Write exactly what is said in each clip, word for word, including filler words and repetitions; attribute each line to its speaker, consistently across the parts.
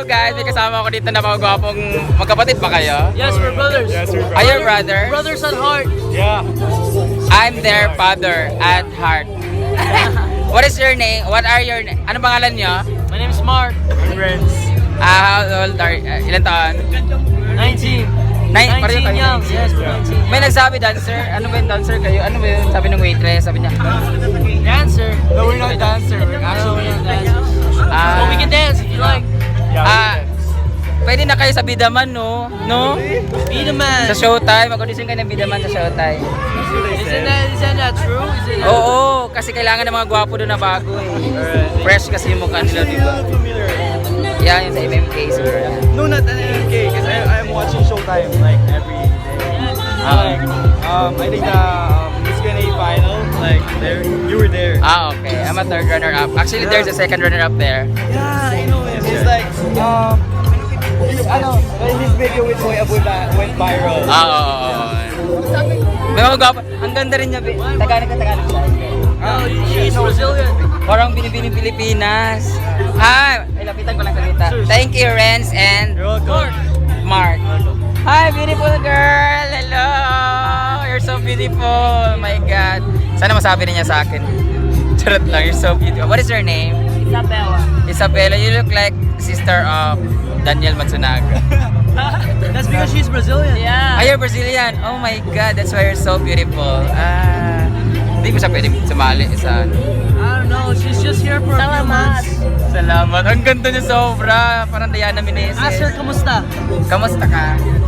Speaker 1: Hello guys, may kasama ako dito na mga gwapong magkapatid ba kayo?
Speaker 2: Yes, we're brothers.
Speaker 3: Yes, we're
Speaker 1: Are you brothers?
Speaker 2: Brothers at heart.
Speaker 3: Yeah.
Speaker 1: I'm their father at heart. What is your name? What are your name? Ano pangalan nyo?
Speaker 2: My name is Mark.
Speaker 3: Friends.
Speaker 1: Ah, how old are uh, ilan taon?
Speaker 2: nineteen.
Speaker 1: Nine, pareho
Speaker 2: nineteen
Speaker 1: kayo,
Speaker 2: young.
Speaker 1: nineteen.
Speaker 2: Yes, we're nineteen.
Speaker 1: May nagsabi dancer, ano ba yung dancer kayo? Ano ba yung sabi ng waitress? Sabi niya,
Speaker 2: Dancer.
Speaker 3: No, we're not dancer. We're actually
Speaker 2: dancers.
Speaker 1: ah,
Speaker 2: But we can dance if you like.
Speaker 3: Yeah,
Speaker 1: ah, pwede na kayo sa Bidaman, no? No?
Speaker 2: Be the man.
Speaker 1: Sa Showtime, mag-audition kayo ng Bidaman sa Showtime.
Speaker 2: Isn't that, isn't that true? Isn't that
Speaker 1: Oo, kasi kailangan ng mga gwapo doon na bago eh. Fresh kasi yung mukha nila, di ba? Yeah, yung sa M M K siguro.
Speaker 3: No, not an M M K, because I'm watching Showtime like every day.
Speaker 1: Ah,
Speaker 3: Like, um, I think the um, Miss Q and A final, like, there, you were there.
Speaker 1: ah, okay. I'm a third runner-up. Actually, there's a second runner-up there.
Speaker 3: Yeah, I know. It's, it's like, um, his, ano, his video with Boy Aboy ba- went viral.
Speaker 1: Ah, oo, oo, oo. May mga gwapo. Ang ganda rin niya. Bi- Tagalog ka, Tagalog siya.
Speaker 2: Oh, she's Brazilian.
Speaker 1: Parang binibining Pilipinas. Hi! Ay, lapitan ko lang salita. Thank you, Renz and
Speaker 3: You're welcome.
Speaker 1: Mark. Hi, beautiful girl! Hello! You're so beautiful! Oh my God. Sana masabi rin niya sa akin. Charot lang, you're so beautiful. What is your name?
Speaker 2: Isabella.
Speaker 1: Isabella, you look like sister of Daniel Matsunaga.
Speaker 2: That's because she's Brazilian. Yeah.
Speaker 1: Ah, you're Brazilian. Oh my God, that's why you're so beautiful. Ah, hindi mo siya pwede sumali sa...
Speaker 2: I don't know. She's just here for a few months.
Speaker 1: Salamat. Ang ganda niya sobra. Parang Diana Meneses.
Speaker 2: Ask her, kamusta?
Speaker 1: Kamusta ka?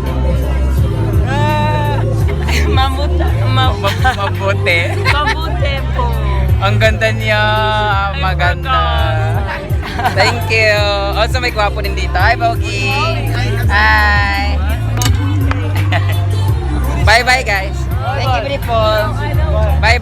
Speaker 2: Mamuta.
Speaker 1: Mab- Mabuti.
Speaker 2: Mabuti po.
Speaker 1: Ang ganda niya. Maganda. Thank you. Also, may gwapo din dito. Hi, Bogi. Hi. Bye-bye, guys. Thank you, beautiful. Bye.